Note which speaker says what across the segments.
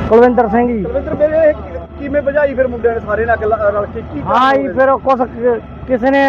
Speaker 1: ਕੁਲਵਿੰਦਰ ਸਿੰਘ ਜੀ।
Speaker 2: ਕੁਲਵਿੰਦਰ ਮੇਰੇ ਕਿਵੇਂ ਭਜਾਈ ਫਿਰ ਮੁੰਡਿਆਂ ਨੇ ਸਾਰੇ ਨਾਲ ਰਲ ਕੇ ਕੀ
Speaker 1: ਹਾਂ ਜੀ, ਫਿਰ ਕੁਛ ਕਿਸੇ ਨੇ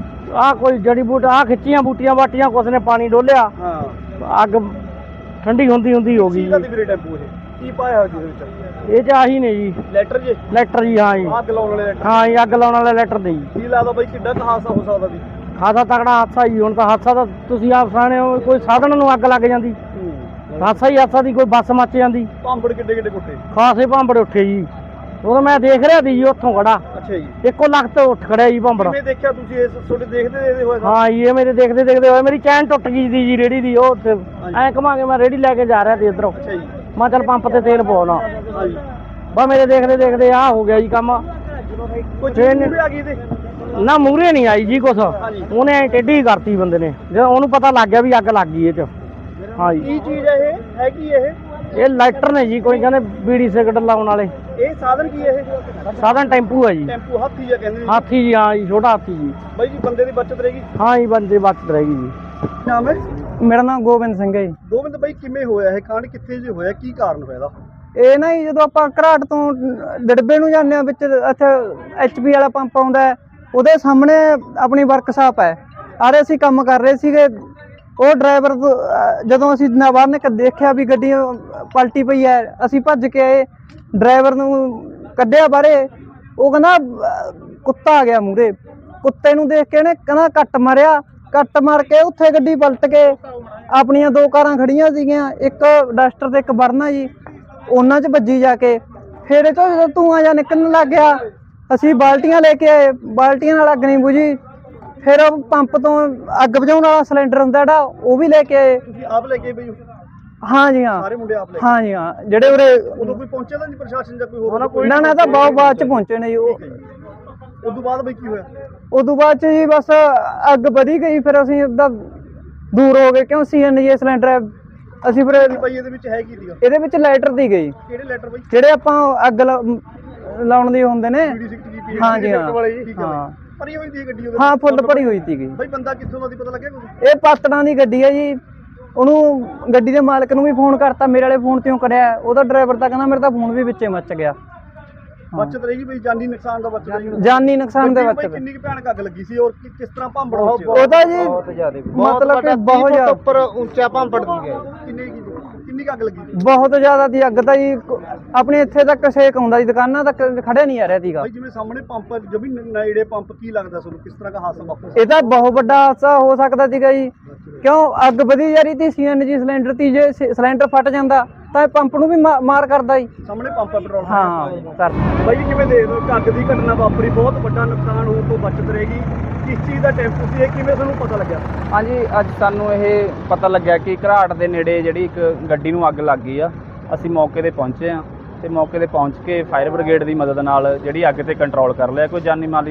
Speaker 1: ਕੋਈ ਜੜੀ ਬੂਟ ਖਿੱਚੀਆਂ ਬੂਟੀਆਂ ਬਾਟੀਆਂ, ਕੁਛ ਨੇ ਪਾਣੀ ਡੋਲਿਆ,
Speaker 2: ਹਾਂ
Speaker 1: ਅੱਗ ਠੰਡੀ ਹੁੰਦੀ ਹੋ ਗਈ
Speaker 2: ਜੀ। ਵੀਰੇ ਟੈਂਪੂ ਕੀ ਪਾਇਆ ਹੋਇਆ ਜਿਹਦੇ ਵਿੱਚ?
Speaker 1: ਇਹ 'ਚ ਆਹੀ ਨੇ ਜੀ
Speaker 2: ਲੈਟਰ ਜੀ।
Speaker 1: ਲੈਟਰ ਜੀ। ਹਾਂ ਜੀ,
Speaker 2: ਅੱਗ ਲਾਉਣ ਵਾਲੇ ਲੈਟਰ।
Speaker 1: ਹਾਂ ਜੀ, ਅੱਗ ਲਾਉਣ ਵਾਲੇ ਲੈਟਰ ਦੇ ਜੀ।
Speaker 2: ਕੀ ਲੱਗਦਾ ਬਾਈ ਕਿੱਡਾ ਕੁ ਹਾਦਸਾ ਹੋ ਸਕਦਾ ਸੀ?
Speaker 1: ਖਾਸਾ ਤਕੜਾ ਹਾਦਸਾ ਜੀ। ਹੁਣ ਤਾਂ ਹਾਦਸਾ ਤਾਂ ਤੁਸੀਂ ਆਪ ਸਾਹਣੇ ਹੋ, ਕੋਈ ਸਾਧਨ ਨੂੰ ਅੱਗ ਲੱਗ ਜਾਂਦੀ, ਹਾਦਸਾ ਹੀ ਹਾਦਸਾ ਦੀ। ਕੋਈ ਬੱਸ ਮੱਚ ਜਾਂਦੀ।
Speaker 2: ਭਾਂਬੜ ਕਿੱਡੇ ਕਿੱਡੇ ਕੁੱਟੇ?
Speaker 1: ਖਾਸੇ ਭਾਂਬੜ ਉੱਠੇ ਜੀ। ਉਦੋਂ ਮੈਂ ਦੇਖ ਰਿਹਾ ਸੀ ਜੀ ਉੱਥੋਂ ਖੜਾ।
Speaker 2: ਅੱਛਾ ਜੀ।
Speaker 1: ਇੱਕੋ ਲੱਖ ਤੋਂ ਉੱਠ ਖੜਿਆ ਜੀ ਭਾਂਬੜ।
Speaker 2: ਕਿਵੇਂ ਦੇਖਿਆ ਤੁਸੀਂ ਇਸ ਤੁਹਾਡੇ ਦੇਖਦੇ ਹੋਏ?
Speaker 1: ਹਾਂ ਜੀ, ਇਹ ਮੇਰੇ ਦੇਖਦੇ ਹੋਏ ਮੇਰੀ ਚੈਨ ਟੁੱਟ ਗਈ ਸੀ ਜੀ ਰੇੜੀ ਦੀ। ਉਹ ਐਂ ਘੁਮਾ ਕੇ ਮੈਂ ਰੇੜੀ ਲੈ ਕੇ ਜਾ ਰਿਹਾ ਸੀ ਇੱਧਰੋਂ।
Speaker 2: ਅੱਛਾ ਜੀ।
Speaker 1: ਮੈਂ ਚੱਲ ਪੰਪ ਤੇ ਤੇਲ ਪਾਉਣਾ।
Speaker 2: ਹਾਂਜੀ।
Speaker 1: ਬਸ ਮੇਰੇ ਦੇਖਦੇ ਆਹ ਹੋ ਗਿਆ ਜੀ ਕੰਮ।
Speaker 2: ਕੋਈ ਚੀਜ਼ ਮੂਹਰੇ ਆ ਗਈ ਇਹਦੇ?
Speaker 1: ਨਾ ਮੂਹਰੇ ਨਹੀਂ ਆਈ ਜੀ ਕੁਛ, ਉਹਨੇ ਐਂ ਟੇਢੀ ਕਰਤੀ ਬੰਦੇ ਨੇ, ਜਦੋਂ ਉਹਨੂੰ ਪਤਾ ਲੱਗ ਗਿਆ ਵੀ ਅੱਗ ਲੱਗ ਗਈ ਇਹ 'ਚ। ਹਾਂ ਜੀ।
Speaker 2: ਕੀ ਚੀਜ਼ ਹੈ ਇਹ? ਹੈ ਕੀ
Speaker 1: ਇਹ ਲਾਈਟਰ ਨੇ ਜੀ, ਕੋਈ ਕਹਿੰਦੇ ਬੀੜੀ ਸਿਗਰਟ ਲਾਉਣ ਵਾਲੇ।
Speaker 2: ਇਹ ਸਾਧਨ ਕੀ ਹੈ ਇਹ?
Speaker 1: ਸਾਧਨ ਟੈਂਪੂ ਹੈ ਜੀ।
Speaker 2: ਟੈਂਪੂ ਹਾਥੀ ਜਾਂ ਕਹਿੰਦੇ ਨੇ?
Speaker 1: ਹਾਥੀ ਜੀ। ਹਾਂ ਜੀ, ਛੋਟਾ ਹਾਥੀ ਜੀ।
Speaker 2: ਬਾਈ ਜੀ ਬੰਦੇ ਦੀ ਬਚਤ ਰਹੇਗੀ?
Speaker 1: ਹਾਂ ਜੀ, ਬੰਦੇ ਬਚਤ ਰਹੇਗੀ ਜੀ।
Speaker 2: ਨਾਮ ਹੈ?
Speaker 1: ਮੇਰਾ ਨਾਮ ਗੋਬਿੰਦ ਸਿੰਘ ਹੈ ਜੀ।
Speaker 2: ਗੋਬਿੰਦ ਬਾਈ ਕਿਵੇਂ ਹੋਇਆ ਇਹ ਕਾਂਡ? ਕਿੱਥੇ ਜੇ ਹੋਇਆ? ਕੀ ਕਾਰਨ ਹੋਇਆ ਇਹਦਾ?
Speaker 1: ਇਹ ਨਾ ਜੀ, ਜਦੋਂ ਆਪਾਂ ਘਰਾਟ ਤੋਂ ਡੜਬੇ ਨੂੰ ਜਾਂਦੇ ਆ, ਵਿੱਚ ਇੱਥੇ HP ਵਾਲਾ ਪੰਪ ਆਉਂਦਾ ਹੈ, ਉਹਦੇ ਸਾਹਮਣੇ ਆਪਣੀ ਵਰਕਸ਼ਾਪ ਹੈ। ਆਰੇ ਅਸੀਂ ਕੰਮ ਕਰ ਰਹੇ ਸੀਗੇ। ਉਹ ਡਰਾਈਵਰ ਜਦੋਂ ਅਸੀਂ ਬਾਹਰ ਨੇ ਦੇਖਿਆ ਵੀ ਗੱਡੀ ਪਲਟੀ ਪਈ ਹੈ, ਅਸੀਂ ਭੱਜ ਕੇ ਆਏ, ਡਰਾਈਵਰ ਨੂੰ ਕੱਢਿਆ ਬਾਹਰੇ। ਉਹ ਕਹਿੰਦਾ ਕੁੱਤਾ ਆ ਗਿਆ ਮੂਹਰੇ। ਕੁੱਤੇ ਨੂੰ ਦੇਖ ਕੇ ਇਹਨੇ ਕਹਿੰਦਾ ਕੱਟ ਮਾਰਿਆ। ਕੱਟ ਮਾਰ ਕੇ ਉੱਥੇ ਗੱਡੀ ਪਲਟ ਕੇ ਆਪਣੀਆਂ ਦੋ ਕਾਰਾਂ ਖੜੀਆਂ ਸੀਗੀਆਂ, ਇੱਕ ਡਸਟਰ ਤੇ ਇੱਕ ਵਰਨਾ ਜੀ, ਉਹਨਾਂ 'ਚ ਵੱਜੀ ਜਾ ਕੇ। ਫਿਰ ਇਹ ਤੋਂ ਜਦੋਂ ਧੂੰਆਂ ਜਿਹਾ ਨਿਕਲਣ ਲੱਗ ਗਿਆ, ਅਸੀਂ ਬਾਲਟੀਆਂ ਲੈ ਕੇ ਆਏ, ਬਾਲਟੀਆਂ ਨਾਲ ਅੱਗ ਨਹੀਂ ਬੁਝੀ। ਫਿਰ ਉਹ ਪੰਪ ਤੋਂ ਅੱਗ ਬੁਝਾਉਣ ਵਾਲਾ ਸਿਲੰਡਰ ਹੁੰਦਾ ਜਿਹੜਾ, ਉਹ ਵੀ ਲੈ ਕੇ ਆਏ।
Speaker 2: ਤੁਸੀਂ ਆਪ ਲੈ ਕੇ ਬਈ?
Speaker 1: ਹਾਂ ਜੀ ਹਾਂ।
Speaker 2: ਸਾਰੇ ਮੁੰਡੇ ਆਪ ਲੈ ਕੇ?
Speaker 1: ਹਾਂ ਜੀ ਹਾਂ। ਜਿਹੜੇ ਉਰੇ
Speaker 2: ਉਦੋਂ ਕੋਈ ਪਹੁੰਚਿਆ ਤਾਂ ਨਹੀਂ ਪ੍ਰਸ਼ਾਸਨ ਜਾਂ ਕੋਈ ਹੋਰ?
Speaker 1: ਨਾ ਤਾਂ ਬਹੁਤ ਬਾਅਦ 'ਚ ਪਹੁੰਚੇ ਨੇ ਜੀ।
Speaker 2: ਉਦੋਂ ਬਾਅਦ ਬਈ ਕੀ ਹੋਇਆ?
Speaker 1: ਉਦੋਂ ਬਾਅਦ 'ਚ ਜੀ ਬਸ ਅੱਗ ਵਧੀ ਗਈ। ਫਿਰ ਅਸੀਂ ਉਹਦਾ ਦੂਰ ਹੋ ਗਏ, ਕਿਉਂ CNG ਸਿਲੰਡਰ ਹੈ। ਅਸੀਂ ਫਿਰ
Speaker 2: ਬਾਈ ਇਹਦੇ ਵਿੱਚ ਹੈ ਕੀ ਸੀਗਾ?
Speaker 1: ਇਹਦੇ ਵਿੱਚ ਲਾਈਟਰ ਦੀ ਗਈ।
Speaker 2: ਕਿਹੜੇ ਲੈਟਰ ਬਾਈ?
Speaker 1: ਜਿਹੜੇ ਆਪਾਂ ਅੱਗ ਲਾਉਣ ਦੇ ਹੁੰਦੇ ਨੇ। ਹਾਂ ਜੀ ਹਾਂ।
Speaker 2: ਹਾਂ। ਭਰੀ ਹੋਈ ਸੀ ਗੱਡੀ?
Speaker 1: ਹਾਂ, ਫੁੱਲ ਭਰੀ ਹੋਈ ਸੀਗੀ।
Speaker 2: ਬਾਈ ਬੰਦਾ ਕਿੱਥੋਂ ਦਾ ਸੀ ਪਤਾ ਲੱਗਿਆ ਕੁਝ?
Speaker 1: ਇਹ ਪਾਤੜਾਂ ਦੀ ਗੱਡੀ ਹੈ ਜੀ। ਉਹਨੂੰ ਗੱਡੀ ਦੇ ਮਾਲਕ ਨੂੰ ਵੀ ਫੋਨ ਕਰਤਾ, ਮੇਰੇ ਵਾਲੇ ਫੋਨ ਤੋਂ ਕਰਿਆ। ਉਹਦਾ ਡਰਾਈਵਰ ਤਾਂ ਕਹਿੰਦਾ ਮੇਰੇ ਤਾਂ ਫੋਨ ਵੀ ਵਿੱਚੇ ਮੱਚ ਗਿਆ।
Speaker 2: ਬਚਤ ਰਹੇਗੀ ਬਈ? ਜਾਨੀ ਨੁਕਸਾਨ ਦਾ ਬਚਤ ਰਹੇਗੀ?
Speaker 1: ਜਾਨੀ ਨੁਕਸਾਨ ਦੇ ਬਚਤ।
Speaker 2: ਕਿੰਨੀ ਕੁ ਭਿਆਨਕ ਅੱਗ ਲੱਗੀ ਸੀ ਔਰ ਕਿਸ ਤਰ੍ਹਾਂ ਭਾਂਬੜ?
Speaker 1: ਉਹਦਾ ਜੀ ਮਤਲਬ ਕਿ ਬਹੁਤ ਜ਼ਿਆਦਾ
Speaker 2: ਉੱਪਰ ਉੱਚਾ ਭਾਂਬੜ ਦੀ ਗਿਆ। ਕਿੰਨੀ ਅੱਗ ਲੱਗੀ?
Speaker 1: ਬਹੁਤ ਜ਼ਿਆਦਾ ਦੀ ਅੱਗ ਤਾਂ ਜੀ। ਆਪਣੇ ਇੱਥੇ ਤੱਕ ਸੇਕ ਆਉਂਦਾ ਜੀ, ਦੁਕਾਨਾਂ ਤੱਕ ਖੜਿਆ ਨਹੀਂ ਆ ਰਿਹਾ ਸੀਗਾ।
Speaker 2: ਬਾਈ ਜਿਵੇਂ ਸਾਹਮਣੇ ਪੰਪ ਜਮੀ ਨੇੜੇ ਪੰਪ, ਕੀ ਲੱਗਦਾ ਤੁਹਾਨੂੰ ਕਿਸ ਤਰ੍ਹਾਂ ਦਾ ਹਾਦਸਾ ਵਾਪਰਿਆ?
Speaker 1: ਇਹ ਤਾਂ ਬਹੁਤ ਵੱਡਾ ਹਾਦਸਾ ਹੋ ਸਕਦਾ ਸੀਗਾ ਜੀ, ਕਿਉਂ ਅੱਗ ਵਧੀ ਜਾ ਰਹੀ ਸੀ। CNG ਸਿਲੰਡਰ ਤੀ, ਜੇ ਸਿਲੰਡਰ ਫਟ ਜਾਂਦਾ ਤਾਂ ਪੰਪ ਨੂੰ ਵੀ ਮਾਰ ਕਰਦਾ ਜੀ।
Speaker 2: ਸਾਹਮਣੇ ਪੰਪ ਹੈ ਪੈਟਰੋਲ।
Speaker 1: ਹਾਂ ਕਰ।
Speaker 2: ਬਾਈ ਜੀ ਕਿਵੇਂ ਦੇਖਦੇ ਹੋ ਅੱਗ ਦੀ ਘਟਨਾ ਵਾਪਰੀ, ਬਹੁਤ ਵੱਡਾ ਨੁਕਸਾਨ ਹੋਣ ਤੋਂ ਬਚਤ ਰਹੇਗੀ? ਕਿਸ ਚੀਜ਼ ਦਾ ਟੈਂਪੂ ਸੀ ਇਹ, ਕਿਵੇਂ ਤੁਹਾਨੂੰ ਪਤਾ ਲੱਗਿਆ?
Speaker 3: ਹਾਂਜੀ, ਅੱਜ ਸਾਨੂੰ ਇਹ ਪਤਾ ਲੱਗਿਆ ਕਿ ਘਰਾਟ ਦੇ ਨੇੜੇ ਜਿਹੜੀ ਇੱਕ ਗੱਡੀ ਨੂੰ ਅੱਗ ਲੱਗ ਗਈ ਆ। ਅਸੀਂ ਮੌਕੇ ਤੇ ਪਹੁੰਚੇ ਆ ਤੇ ਮੌਕੇ ਤੇ ਪਹੁੰਚ ਕੇ ਫਾਇਰ ਬ੍ਰਿਗੇਡ ਦੀ ਮਦਦ ਨਾਲ ਜਿਹੜੀ ਅੱਗ ਤੇ ਕੰਟਰੋਲ ਕਰ ਲਿਆ। ਕੋਈ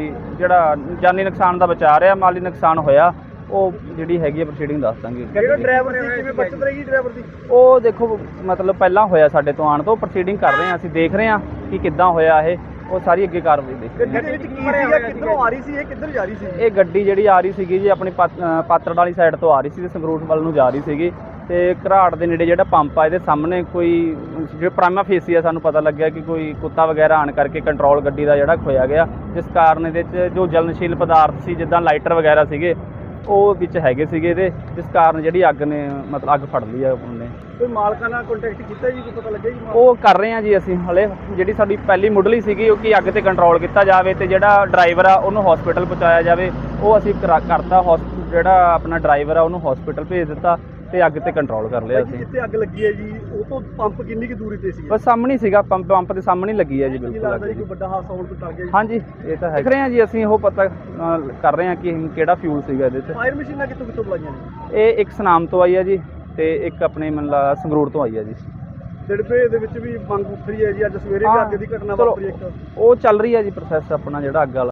Speaker 3: ਜਾਨੀ ਨੁਕਸਾਨ ਦਾ ਬਚਾ ਰਿਹਾ। ਮਾਲੀ ਨੁਕਸਾਨ ਹੋਇਆ ਉਹ ਜਿਹੜੀ ਹੈਗੀ ਆ ਪ੍ਰੋਸੀਡਿੰਗ ਦੱਸ ਦਾਂਗੇ।
Speaker 2: ਜਿਹੜਾ ਡਰਾਈਵਰ ਸੀ ਕਿਵੇਂ ਬਚਤ ਰਹੇਗੀ ਡਰਾਈਵਰ ਦੀ?
Speaker 3: ਉਹ ਦੇਖੋ ਮਤਲਬ ਪਹਿਲਾਂ ਹੋਇਆ ਸਾਡੇ ਤੋਂ ਆਉਣ ਤੋਂ, ਪ੍ਰੋਸੀਡਿੰਗ ਕਰ ਰਹੇ ਹਾਂ ਅਸੀਂ, ਦੇਖ ਰਹੇ ਹਾਂ ਕਿ ਕਿੱਦਾਂ ਹੋਇਆ ਇਹ, ਉਹ ਸਾਰੀ ਅੱਗੇ ਕਾਰਵਾਈ ਦੇਖ ਰਹੇ ਹਾਂ।
Speaker 2: ਗੱਡੀ ਦੇ ਵਿੱਚ ਕੀ ਸੀਗਾ? ਕਿੱਧਰੋਂ ਆ ਰਹੀ ਸੀ ਇਹ? ਕਿੱਧਰ ਜਾ ਰਹੀ ਸੀ
Speaker 3: ਇਹ ਗੱਡੀ ਜਿਹੜੀ ਆ ਰਹੀ ਸੀਗੀ ਜੀ ਆਪਣੀ ਪਾਤੜ ਵਾਲੀ ਸਾਈਡ ਤੋਂ ਆ ਰਹੀ ਸੀ ਤੇ ਸੰਗਰੂਰ ਵੱਲ ਨੂੰ ਜਾ ਰਹੀ ਸੀਗੀ। ਤੇ ਘਰਾਟ ਦੇ ਨੇੜੇ ਜਿਹੜਾ ਪੰਪ ਆ ਇਹਦੇ ਸਾਹਮਣੇ ਕੋਈ ਜਿਹੜਾ ਪ੍ਰਾਈਮਾ ਫੇਸੀ ਆ, ਸਾਨੂੰ ਪਤਾ ਲੱਗਿਆ ਕਿ ਕੋਈ ਕੁੱਤਾ ਵਗੈਰਾ ਆਣ ਕਰਕੇ ਕੰਟਰੋਲ ਗੱਡੀ ਦਾ ਜਿਹੜਾ ਖੋਇਆ ਗਿਆ, ਜਿਸ ਕਾਰਨ ਇਹਦੇ 'ਚ ਜੋ ਜਲਨਸ਼ੀਲ ਪਦਾਰਥ ਸੀ ਜਿੱਦਾਂ ਲਾਈਟਰ ਵਗੈਰਾ ਸੀਗੇ ਉਹ ਵਿੱਚ ਹੈਗੇ ਸੀਗੇ ਇਹਦੇ, ਜਿਸ ਕਾਰਨ ਜਿਹੜੀ ਅੱਗ ਨੇ ਮਤਲਬ ਅੱਗ ਫੜ ਲਈ ਆ ਉਹਨੇ।
Speaker 2: ਕੋਈ ਮਾਲਕਾਂ ਨਾਲ ਕੰਟੈਕਟ ਕੀਤਾ ਜੀ? ਕੋਈ ਪਤਾ ਲੱਗਿਆ ਜੀ?
Speaker 3: ਉਹ ਕਰ ਰਹੇ ਹਾਂ ਜੀ ਅਸੀਂ ਹਲੇ। ਜਿਹੜੀ ਸਾਡੀ ਪਹਿਲੀ ਮੁੱਢਲੀ ਸੀਗੀ ਉਹ ਕਿ ਅੱਗ ਤੇ ਕੰਟਰੋਲ ਕੀਤਾ ਜਾਵੇ ਤੇ ਜਿਹੜਾ ਡਰਾਈਵਰ ਆ ਉਹਨੂੰ ਹਸਪੀਟਲ ਪਹੁੰਚਾਇਆ ਜਾਵੇ, ਉਹ ਅਸੀਂ ਕਰਤਾ। ਜਿਹੜਾ ਆਪਣਾ ਡਰਾਈਵਰ ਆ ਉਹਨੂੰ ਹਸਪੀਟਲ ਭੇਜ ਦਿੱਤਾ ਤੇ ਅੱਗ ਤੇ ਕੰਟਰੋਲ ਕਰ ਲਿਆ ਅਸੀਂ।
Speaker 2: ਜਿੱਥੇ ਅੱਗ ਲੱਗੀ ਹੈ ਜੀ ਉਹ ਤੋਂ ਪੰਪ ਕਿੰਨੀ ਕੁ ਦੂਰੀ ਤੇ ਸੀ?
Speaker 3: ਬਸ ਸਾਹਮਣੇ ਸੀਗਾ ਪੰਪ ਦੇ ਸਾਹਮਣੇ ਲੱਗੀ ਹੈ ਜੀ, ਬਿਲਕੁਲ।
Speaker 2: ਕੋਈ ਵੱਡਾ ਹਾਦਸਾ ਹੋਣ ਤੋਂ ਡਰ ਗਿਆ ਜੀ?
Speaker 3: ਹਾਂਜੀ, ਇਹ ਤਾਂ ਹੈ। ਦੇਖ ਰਹੇ ਹਾਂ ਜੀ ਅਸੀਂ, ਉਹ ਪਤਾ ਕਰ ਰਹੇ ਹਾਂ ਕਿ ਕਿਹੜਾ ਫਿਊਲ ਸੀਗਾ ਇਹਦੇ 'ਚ।
Speaker 2: ਫਾਇਰ ਮਸ਼ੀਨਾਂ ਕਿੱਥੋਂ ਬੁਲਾਈਆਂ ਨੇ?
Speaker 3: ਇਹ ਇੱਕ ਸਨਾਮ ਤੋਂ ਆਈ ਹੈ ਜੀ ਤੇ ਇੱਕ ਆਪਣੇ ਮਤਲਬ ਸੰਗਰੂਰ ਤੋਂ ਆਈ ਹੈ ਜੀ।
Speaker 2: ਡੜਬੇ ਦੇ ਵਿੱਚ ਵੀ ਮੰਗ ਉੱਠ ਰਹੀ ਹੈ ਜੀ, ਅੱਜ ਸਵੇਰੇ ਵੀ ਅੱਗ ਦੀ ਘਟਨਾ ਵਾਪਰੀ ਇੱਕ।
Speaker 3: ਉਹ ਚੱਲ ਰਹੀ ਹੈ ਜੀ ਪ੍ਰੋਸੈਸ ਆਪਣਾ ਜਿਹੜਾ ਅੱਗ ਵਾਲਾ।